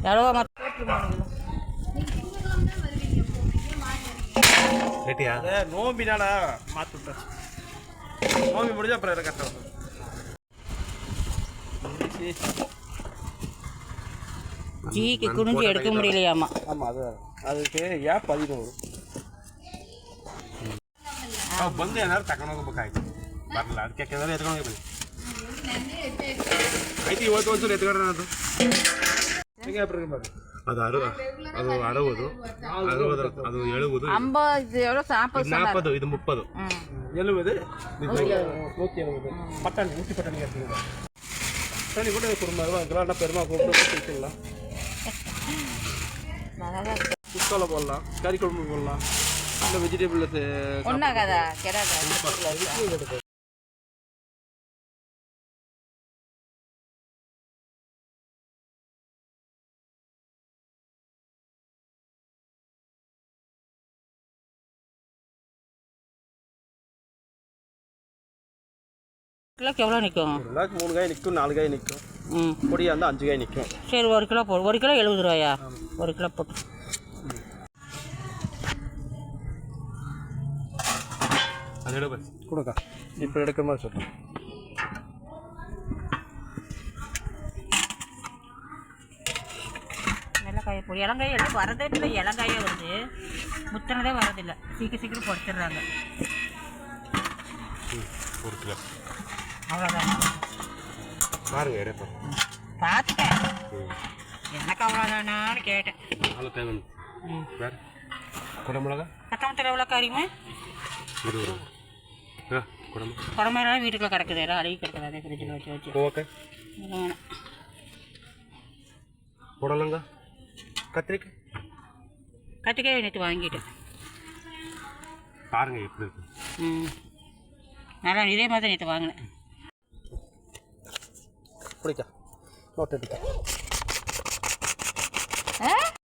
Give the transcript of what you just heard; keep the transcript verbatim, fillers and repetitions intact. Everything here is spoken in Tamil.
எவ்வளோ கேட்டியா நோம்பினால மாற்றி விட்டேன். நோம்பி முடிஞ்சா அப்புறம் கரெக்டாக வரும். ஜீக்கு குனிஞ்சு எடுக்க முடியலையாமா. ஆமாம் அது அதுக்கு ஏன் பதினோரு ಬಂದು ಏನಾದ್ರು ತಗೊಂಡೋಗ್ಬೇಕಾಯ್ತು ಬರಲ್ಲ ಅದಕ್ಕೆ ಯಾಕೆಂದ್ರೆ ಎತ್ಕೊಂಡು ಹೋಗ್ಬೇಕು ಆಯ್ತು ಇವತ್ತು ಒಂದ್ಸಲ ಎತ್ಕೊಂಡ್ರೆ ಅದು ಹೇಗೆ ಬರ್ರಿ ಅದು ಅರು ಅದು ಅರವದು ಅರವದು ಅದು ಎಳುವುದು ನಾಲ್ಪದು ಇದು ಮುಪ್ಪದು ಎಳುವುದು ನೂற்றி ಎಳುವುದು பட்டாணி நூற்றி பட்டாணி கேட்டுருங்க பட்டாணி கூட குடும்பம் கிராண்டாக பெருமா கூப்பிட்டு வச்சுக்கலாம் குஸ்கால போடலாம் கறி குழம்பு போடலாம் இல்லை வெஜிடபிள் ஒன்றாகாதா கிடாதா கிலோக்கு எவ்வளோ நிற்கும்? ஒரு கிலோக்கு மூணு காய் நிற்கும், நாலு காய் நிற்கும். ம் பொடியாக இருந்தால் அஞ்சு காய் நிற்கும். சரி ஒரு கிலோ போடு. ஒரு கிலோ எழுபது ரூபாயா? ஒரு கிலோ போட்டு அது எடு கொடுக்கா இப்போ எடுக்கிற மாதிரி சொல்கிறேன். இலங்காயை போடு. இலங்காயை எடுத்து வரதே இல்லை. இலங்காயே வருது, முத்தினதே வரதில்லை. சீக்கிரம் சீக்கிரம் பொடிச்சிடுறாங்க. ஒரு கிலோ அவ்வளோதான். பாருங்க எடுப்பேன் பார்த்துட்டேன். எனக்கு அவ்வளோதானான்னு கேட்டேன். அவ்வளோ தேவை. ம் வேறு குடமிளகா கத்தமத்தில் எவ்வளோ காரியுமே இருபது ரூபா. ஆ குடம்பு குடம்பெல்லாம் வீட்டுக்குள்ளே கிடக்குது. எல்லாம் அழுகி கிடக்குது. அதே ஃப்ரிட்ஜில் வச்சு வச்சு ஓகே வேணும். புடலங்க கத்திரிக்காய் கத்திரிக்காய் நேற்று வாங்கிட்டேன். பாருங்க எப்படி இருக்கு. ம் நல்லா இதே மாதிரி நேற்று வாங்கினேன். பிடிக்கா நோட்டு எடுக்க